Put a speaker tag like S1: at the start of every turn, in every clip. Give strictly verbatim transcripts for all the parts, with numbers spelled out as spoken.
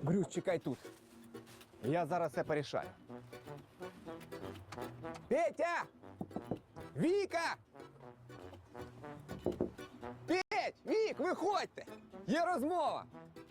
S1: Брюс, чекай тут. Я зараз все порішаю. Петя! Віка! Петь! Вік, виходьте! Є розмова!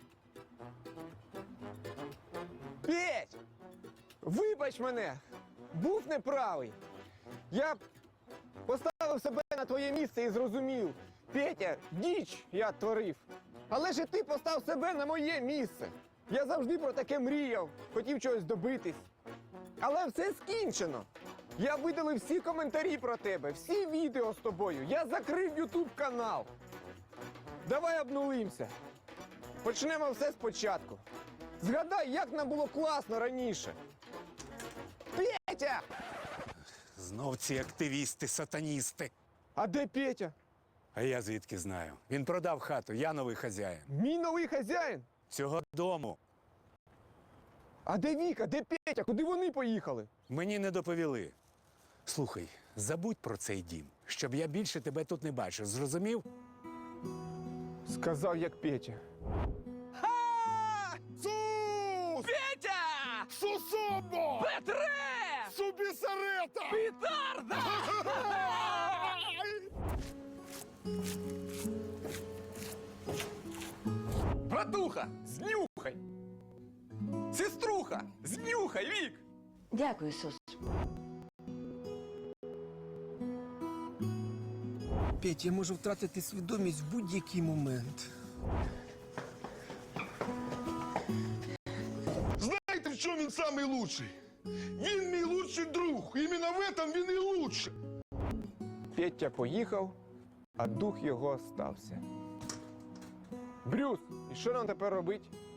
S1: Петь! Вибач мене! Був неправий! Я поставив себе на твоє місце і зрозумів. Петя, діч я творив. Але ж і ти постав себе на моє місце. Я завжди про таке мріяв, хотів чогось добитись. Але все скінчено. Я видалив всі коментарі про тебе, всі відео з тобою. Я закрив ютуб канал. Давай обнулимося. Почнемо все спочатку. Згадай, як нам було класно раніше. Петя!
S2: Знов ці активісти, сатаністи.
S1: А де Петя?
S2: А я звідки знаю? Він продав хату, я новий хазяїн.
S1: Мій новий хазяїн?
S2: Цього дому
S1: А де Віка? Де Петя? Куди вони поїхали?
S2: мені не доповіли. Слухай, забудь про цей дім, щоб я більше тебе тут не бачив. Зрозумів?
S1: Сказав, як Петя.
S3: Сус!
S4: Петя!
S3: Сусобо!
S4: Петре!
S3: Субісарета!
S4: Петарда! Братуха, знюхай! Сеструха, знюхай, Вік!
S5: Дякую, Сус.
S6: Петь, я можу втратити свідомість в будь-який момент.
S3: Знаєте, в чому він самий лучший? Він мій лучший друг. Іменно в этом він і лучший.
S1: Петя поїхав, а дух його остався. Брюс, і що нам тепер робити?